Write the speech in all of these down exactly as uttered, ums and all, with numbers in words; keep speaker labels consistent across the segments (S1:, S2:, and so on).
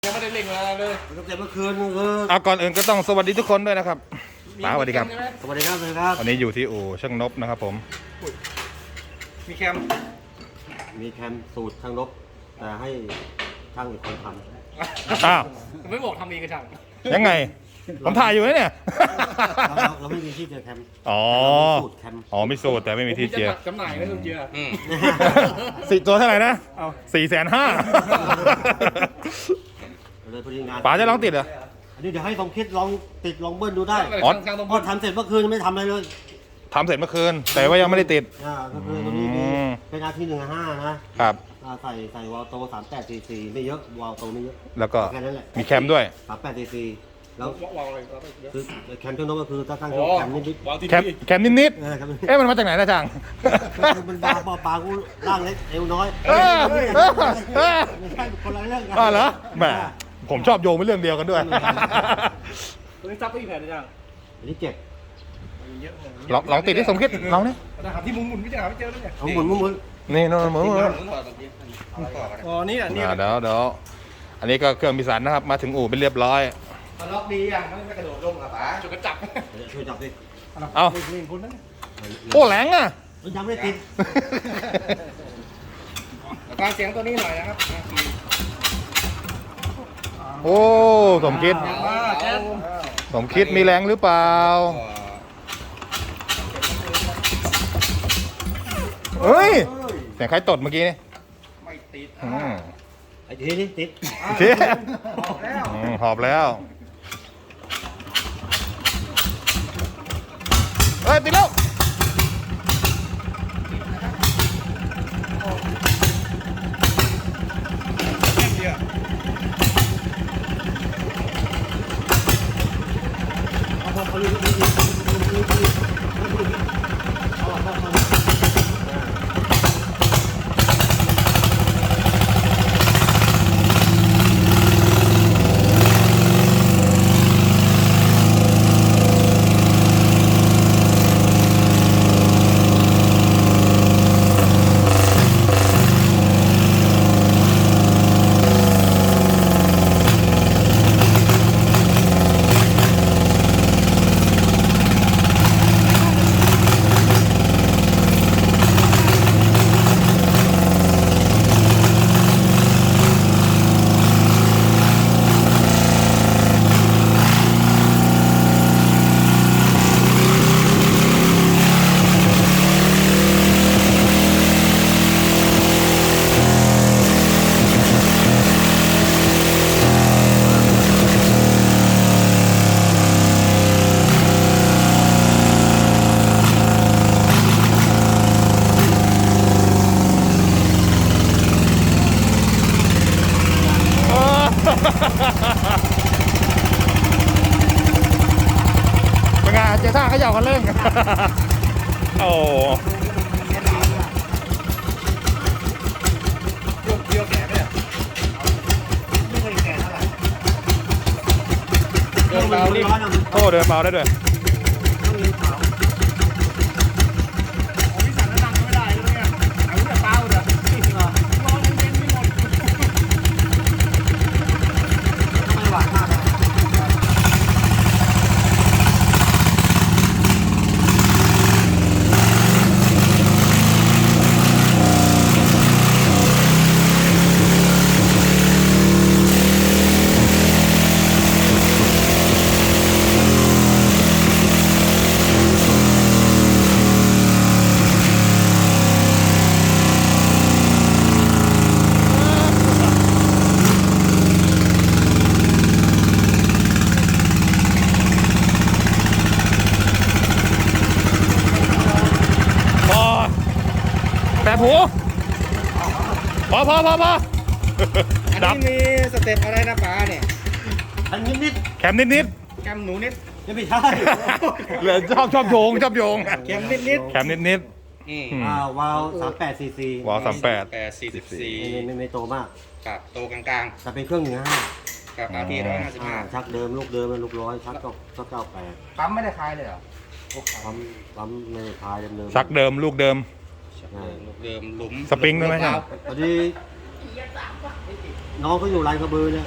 S1: ยังไม่ได้เล่งอะไรเลย
S2: ตั้งแต่เมื่อคืนคือ
S3: เอาก่อนอื่นก็ต้องสวัสดีทุกคนด้วยนะครับป๋าสวัสดีครับ
S2: สวัสดีครับสวัสดีครับ
S3: วันนี้อยู่ที่อู่ช่างนบนะครับผม
S1: มีแคม
S2: มีแคมสูตรช่างนบแต่ให้ช่างอีกคนท
S3: ำอ้าว
S1: ไม่บอกทำเองกับช่าง
S3: ยังไงผมถ่ายอยู่นะเนี่ย
S2: เราเราไม่มีที่เจอแคม
S3: อ๋อ
S2: สูตรแคม
S3: อ๋อไม่สูตรแต่ไม่มีที่เจีย
S1: จำหน่ายไม่ต้องเจีย
S3: สี่ตัวเท่าไหร่นะสี่แสนห้า
S2: เลยพอดีงาน
S3: ป๋าจะลองติดเหรอ
S2: อันนี้เดี๋ยวให้ลองคิดลองติดลองเบิ้ลดูได้
S3: อ๋อ
S2: พอทำเสร็จเมื่อคืนไม่ทำอะไรเลย
S3: ทำเสร็จเมื่อคืนแต่ว่ายังไม่ได้ติด
S2: อ่าก็คือตรงนี้มีเป็นอาทิตย์หนึ่งห้านะครับใส่ใส่วาล์วโตสามแปดซีซีไม่เยอะวาล์วโตไม่เยอะ
S3: แล้วก็
S2: แค่นั้นแหละ
S3: มีแคมด้วย
S2: สามแปดซีซีแล้ว
S1: วางอะไร
S2: คือแคมช่างนบก็คือถ้าตั้งแคมนิด
S3: ๆแคมแคมนิดๆเอ๊ะมันมาจากไหนนะจัง
S2: มันบางปอปางกูร่างเล็กเอวน้อย
S3: เออเออเออ
S2: คนละเรื่องกัน
S3: อ๋อเหรอแหมผมชอบโยงเป็นเรื่องเดียวกันด้วย
S1: ตัวนี้ซับไปอีกแผ่นจัง
S2: อันนี้เจ็บ
S3: ลองลองติดที่สมคิดลองนี่
S1: หาที่มุมหมุนไม่เจอไม่เจอเลยเนี่ย
S2: หมุนหมุนหมุน
S3: นี่นู่นหมุนหมุน
S1: อ๋อนี่อ่ะนี่
S3: เดี๋ยวเดี๋ยวอันนี้ก็เครื่องพิสันนะครับมาถึงอู่เป็นเรียบร้อย
S1: มันล็อกดีอ่ะไม่ไม่กระโดดลงอ่ะป๋าจุดกระจับ
S2: ช่วยจับดิ
S3: เอาโอ้แหลงอ่ะ
S2: ยังไม่ติด
S1: ฟังเสียงตัวนี้หน่อยนะครับ
S3: โอ้สมคิดสมคิดมีแรงหรือเปล่าเฮ้ยเสียงใครตดเมื่อกี้นี่
S1: ไม่ติด
S2: ไอ้ทีนี้ติด
S3: ทีหอบแล้วเฮ้ยติดแล้วเป็นไงเจ้าท่าเขาหยอกกันเล่นโอ้
S1: เดียวแก่เนี่ย
S2: ไม่เคยแก่เท่าไหร่
S1: เดินเบารีบ
S3: โอ้เดินเบาได้ด้วย
S1: พี่สั่งแล้วนั่งไม่ได้เลยเนี่ยเอาแต่เบาเด้อร้อนเย็นไม่หมด
S2: ไม่หวานมาก
S3: แบบหูพอพอพอพอ
S1: อันนี้มีสเต็ปอะไรนะป๋าเนี่ย
S2: อันนิดนิด
S3: แคมนิดนิด
S1: แคมหนูนิด
S2: ยังไม่ใช่
S3: เหลือชอบชอบโยงชอบโยง
S1: แคมนิดนิด
S3: แคมนิดนิด
S2: อ่าวาล์วสามแปดซีซี
S3: วาล์วสามแปด
S1: แปดสี่สิบสี่
S2: ไม่ไม่โตมาก
S1: กับโตกลาง
S2: ๆแต่เป็นเครื่องหนึ่งห้า
S1: กับอาทีร้อยห้าสิบห้า
S2: ชักเดิมลูกเดิมลูกร้อยชักก็ก็เก้าแปด
S1: ปั๊มไม่ได้คลายเลยเหรอ
S2: ปั๊มปั๊มไม่ได้คลายเดิม
S3: ชักเดิมลูกเดิม
S1: ลูกเดิมหลุม
S3: สปริงด้วยไหมครับ
S2: พอดีน้องเขาอยู่ลานกระบือเนี่ย
S1: อ๋อ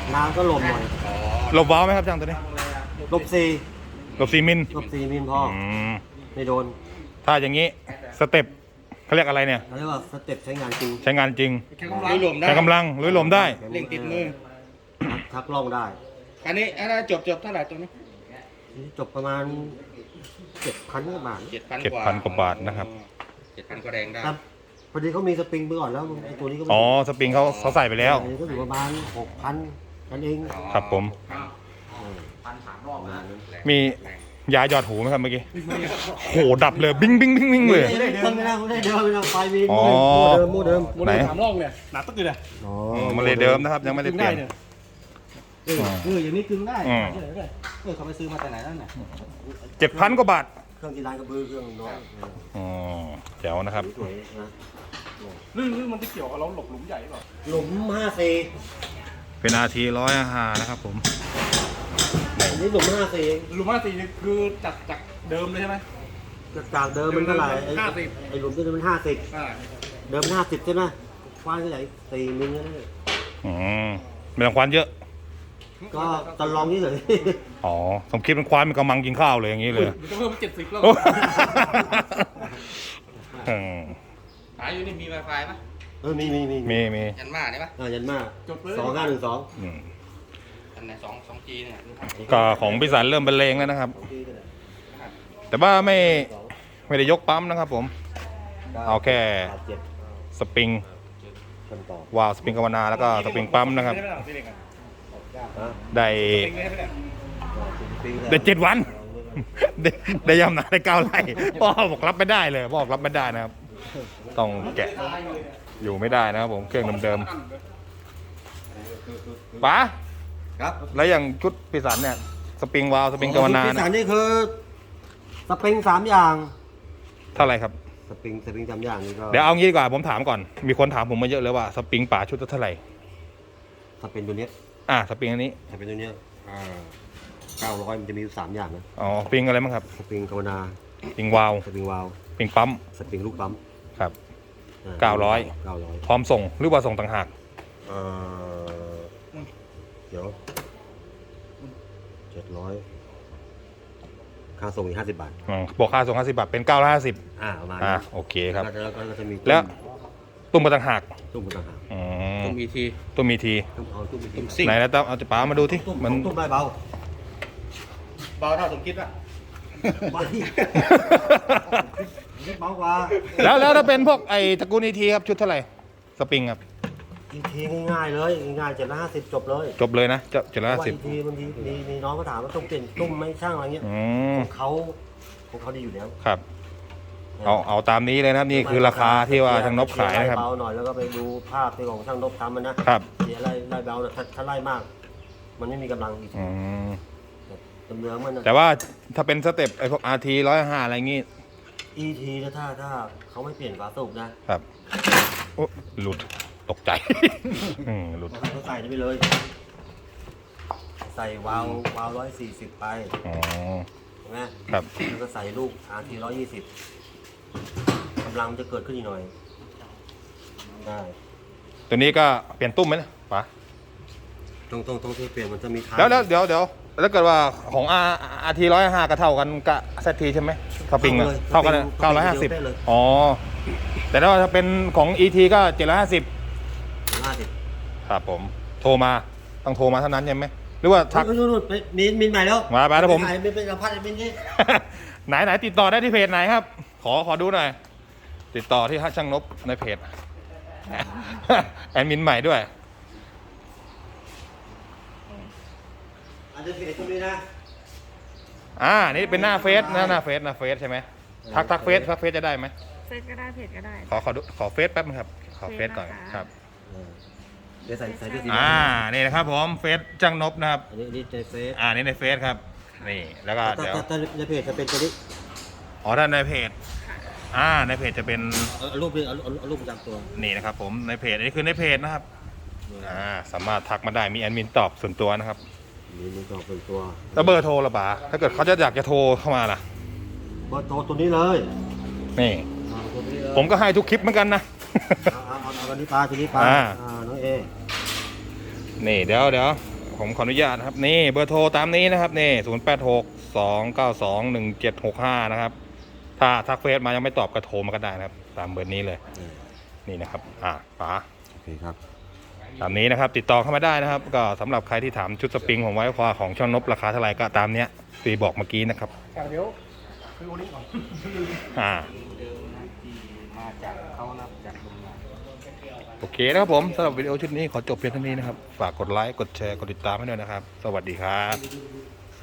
S2: น้ำก็ลมหน่อย
S3: หลบวาล์วไหมครับช่างตัวนี้
S2: ลบสี่
S3: หลบสี่มิล
S2: ลบสี่มิลพอ
S3: อืม
S2: ไม่โดน
S3: ถ้าอย่างนี้สเต็ปเขาเรียกอะไรเนี่ย
S2: เขาเรียกว่าสเต็ปใช้งานจริง
S3: ใช้งานจริง
S1: แค่กำลังรวมได้
S3: ใช้กำลังลุยลมได้
S1: เร่งติดมือ
S2: ชักล่องได้
S1: อันนี้อันนั้นจบจบเท่าไหร่ตัวนี้
S2: จบประมาณเจ็ดพันกว่าบาท
S1: เจ็ดพัน
S3: เจ็ด
S1: กว่า
S3: พันกว่าบาทนะครับ
S1: เจ็ดพันก็แรงได้
S2: ครับพอดีเขามีสปริงไปก่อนแล้วไอ้ตัวนี้ก็ไม่
S3: อ๋อสปริงเขาเขาใส่ไปแล้ว
S2: อันนี้ก็อยู่ประมาณหกพันกันเอง
S3: ครับผม
S1: พันสามรอบนะ
S3: มียาหยอดหูไหมครับเมื่อกี้โหดับเลยบิ้งบิ้งบิ้งบิ้งเลย
S2: ไม่ได้เดิมไม่ได้ไม่ได้เดิมไม่ได้ไฟมี
S3: อ๋อ
S2: โมเดิมโมเดิม
S3: ไหน
S1: สามรอบเนี่ยหนาตึ๊กเลย
S2: อ๋อ
S3: อืมมันเลยเดิมนะครับยังไม่ได้เปลี่ยน
S1: เออเอออย่างนี้กึ่งได้
S3: อืม
S1: เออเออเขาไปซื้อมาแต่ไหนนั่นน่ะ
S3: เจ็ดพันกว่าบาท
S2: เครื่องกีฬากระบือเครื่องน้อย
S3: อ๋อแจ๋วนะครับ
S2: สวยนะ
S1: ลื่นลื่นมันจะเกี่ยวกับเราหลบหลุมใหญ่หรือเปล่า
S2: หลุมห้าสี่
S3: เป็นอาทีร้อยห้านะครับผม
S2: อันนี้หลุมห้าสี่
S1: หลุมห้าสี่นี่คือจากจากเดิมเลยใช่ไหม
S2: จากเดิมมันเท่าไหร่ไอ้
S1: ห้าสิบ
S2: ไอ้หลุมที่มันห้าสิบ
S1: อ่า
S2: เดิมมันห้าสิบใช่ไหมกว้างเท่าไหร่สี่มิลนั่นแหละ
S3: อืมไม่ต้องควานเยอะ
S2: ก็ตอนลองนี่เลย
S3: อ๋อสมคิดเป็นควานเป็นกำมังกินข้าวเลยอย่างนี้เลย
S1: มันจะเพิ่มเป็นเจ็ดสิบแล้ว
S3: โอ้อืม
S4: หาอยู่นี่มีไวไฟไหม
S2: เออมีมีมี
S3: มีมี
S4: ยันมาได้ปะ
S2: อ่ายันมาก
S1: จบเลย
S2: สองห้าหนึ่งสอง
S3: อืม
S4: อันไหนสองสองจีเนี่ย
S3: ก็ของพิสันเริ่มบรรเลงแล้วนะครับ แต่ว่าไม่ไม่ได้ยกปั๊มนะครับผม เอาแค่
S2: เจ็ด
S3: สปริง
S2: กันต่อ
S3: วาล์วสปริงกาวนาแล้วก็สปริงปั๊มนะครับ
S1: ไม่ได้ไม่ได้ไม่ได้
S2: ฮะ
S3: ได้
S1: ไม่ได้ไม่ได้
S2: ปีแล้ว
S3: ได้เจ็ดวัน ได้ได้ยำนาได้เก้าไร่พ่อบอกรับไม่ได้เลยพ่อบอกรับไม่ได้นะครับ ต้องแกะอยู่ไม่ได้นะครับผมเครื่องเดิมๆป๋า
S2: ครับ
S3: แล้วอย่างชุดพิสันเนี่ยสปริงวาล์วสปริงกาวนา
S2: ที่
S3: เนี่
S2: สาม
S3: ย
S2: นี่คือสปริงสามอย่าง
S3: เท่าไหร่ครับ
S2: สปริงสปริงสามอย่างนี่ก็
S3: เดี๋ยวเอางี้ดีกว่าผมถามก่อน มีคนถามผมมาเยอะเลยว่าสปริงป๋าชุดละเท่าไหร่
S2: สปริงตัวเนี้ย
S3: อ่าสปริงอันนี้
S2: สปริงตัวเนี้ยอ่าเก้าร้อยมันจะมีอยู่สามอย่างนะ
S3: อ๋อสปริงอะไรบ้างครับ
S2: สปริงกาวนา
S3: สปริงวาล์ว
S2: สปริงวาล์ว
S3: สปริงปั๊ม
S2: สปริงลูกปั๊ม
S3: ครับ เก้าร้อย
S2: เก้าร้อย
S3: พร้อมส่งหรือว่าส่งต่างหาก
S2: เอ่อเดี๋ยวเจ็ดร้อยค่าส่งอีกห้าสิบบาท
S3: อืมบอกค่าส่งห้าสิบบาทเป็นเก้าร้อยห้าสิบ
S2: อ่าประมาณ
S3: อ่า
S2: นั้น
S3: โอเคครับ
S2: แล้วก็แล้วก็จะมี
S3: แล้วตุ้มมาต่างหาก
S2: ตุ้มต่างหาก
S3: อืม
S4: ต้องมีที
S3: ตุ้มมีที
S2: ตุ้มเอาตุ้มมี
S4: ตุ้ม
S2: ตุ้ม
S4: ซิ่ง
S3: ไหนแล้วต้องเอาป๋ามาดูที่
S2: ตุ้ม
S3: มัน
S2: ตุ้มได้เบา
S1: เบาเท่าสมคิดป่ะ
S2: เบาเบากว่า
S3: แล้วแล้วถ้าเป็นพวกไอ้ตระกูลอีทีครับชุดเท่าไหร่สปริงครับ
S2: อีกทีง่ายๆเลยง่ายๆเจ็ดร้อยห้าสิบจบเลย
S3: จบเลยนะเจ็ดร้อย
S2: เพราะ
S3: ห้า
S2: ว่า
S3: สิบ
S2: อีกทีบางทีมีมีน้องก็ถามว่าต้องเปลี่ยนตุ้มไหม่ช่างอะไรเงี้ย
S3: อืม
S2: ของเขาของเขาดีอยู่แล้ว
S3: ครับ เอาเอาตามนี้เลยนะครับนี่คือราคาที่ว่าช่างนบขายนะครับ
S2: เบาหน่อยแล้วก็ไปดูภาพที่ของช่างนบทำมันนะครับ เสียไล่ไล่เบาน่ะถ้าถ้าไล่มาก มันไม่มีกำลังอีก
S3: อืม
S2: เนื้อมันนะ
S3: แต่ว่าถ้าเป็นสเต็ปไอ้พวกอาร์ทีร้อยห้าอะไรงี้
S2: อีทีถ้าถ้าถ้าเขาไม่เปลี่ยนฝาสูบนะครับ
S3: โอ้หลุดตกใจ อืมหลุด
S2: เขาใส่ได้ไปเลย ใส่วาล์ววาล์วร้อยสี่สิบไป
S3: อ๋อ
S2: เห็นไหม
S3: ครับ
S2: แล้วก็ใส่ลูก อาร์ ที ร้อยยี่สิบกำลังมันจะเกิดขึ้นอีกหน่อยได้
S3: ตัวนี้ก็เปลี่ยนตุ้มไหมนะป๋า
S2: ตรงตรงตรงที่เปลี่ยนมันจะมีทาง
S3: แล้วแล้วเดี๋ยวเดี๋ยวแล้วเกิดว่าของอาอาร์ทีร้อยห้าก็เท่ากันกับเซทีใช่ไหมสปริงอะเท่ากันเก้าร้อยห้าสิบอ๋อแต่ถ้าว่าถ้าเป็นของอีทีก็เจ็ดร้อยห้าสิบ
S2: ห้าสิบ
S3: ครับผมโทรมาต้องโทรมาเท่านั้นใช่ไหมหรือว่าทัก
S2: นู่นนู่นไปมินมินใหม่แล้ว
S3: มาไปแล้วผม
S2: มินใหม่เป็นสัมภาษณ์มินนี่
S3: ไหนไหนติดต่อได้ที่เพจไหนครับ ขอขอดูหน่อย ติดต่อที่ช่างนบในเพจ แอดมินใหม่ด้วย
S2: อาจจะเพจตรงนี้นะ
S3: อ่านี่เป็นหน้าเฟซหน้าหน้าเฟซหน้าเฟซใช่ไหมทักทักเฟซทักเฟซจะได้ไหม
S5: เฟซก็ได้เพจก็ได้
S3: ขอขอดูขอเฟซแป๊บนึงครับขอเฟซก่อน
S5: เฟซนะคะ
S3: ครับ
S2: เออเดี๋ยวใส่ใส่ด้วยสี
S3: อ่านี่นะครับผมเฟซช่างนบนะครับ
S2: อันนี้อันนี้ในเฟซ
S3: อ่านี่ในเฟซครับนี่แล้วก็
S2: ถ้า
S3: เดี๋ยว
S2: ถ้าถ้าในเพจจะเป็นตัวนี้
S3: อ๋อถ้าในเพจอ่าในเพจจะเป็น
S2: เอาเอารูปนี้เอาเอาเอารูปประจำตัว
S3: นี่นะครับผมในเพจอันนี้คือในเพจนะครับอ่าสามารถทักมาได้มีแอดมินตอบส่วนตัวนะครับ
S2: นี่มันก็เป็นตัว
S3: แล้วเบอร์โทรละบาถ้าเกิดเขาจะอยากจะโทรเข้ามาล่ะ
S2: เบอร์โทรตัวนี้เลย
S3: นี่
S2: เอาตัวนี้เลย
S3: ผมก็ให้ทุกคลิปเหมือนกันนะ
S2: เอาเอาเอาเอาตัวนี้ปลาตัวนี้ปลา
S3: อ่า
S2: อ่าน้องเอ
S3: นี่เดี๋ยวเดี๋ยวผมขออนุญาตนะครับนี่เบอร์โทรตามนี้นะครับนี่ศูนย์แปดหกสองเก้าสองหนึ่งเจ็ดหกห้านะครับถ้าทักเฟซมายังไม่ตอบก็โทรมาก็ได้นะครับตามเบอร์นี้เลยนี่นะครับอ่าป๋า
S2: โอเคครับ
S3: ตามนี้นะครับติดต่อเข้ามาได้นะครับก็สำหรับใครที่ถามชุดสปริงของไว้ควาของช่างนบราคาเท่าไหร่ก็ตามเนี้ยตีบอกเมื่อกี้นะครับ
S1: เดี๋ยวคือวันนี้ก่อน
S3: อ่า
S4: เดิมนะที่มาจากเขานะจากโรงงาน
S3: โอเคนะครับผมสำหรับวิดีโอชุดนี้ขอจบเพียงเท่านี้นะครับฝากกดไลค์กดแชร์กดติดตามให้ด้วยนะครับสวัสดีครับ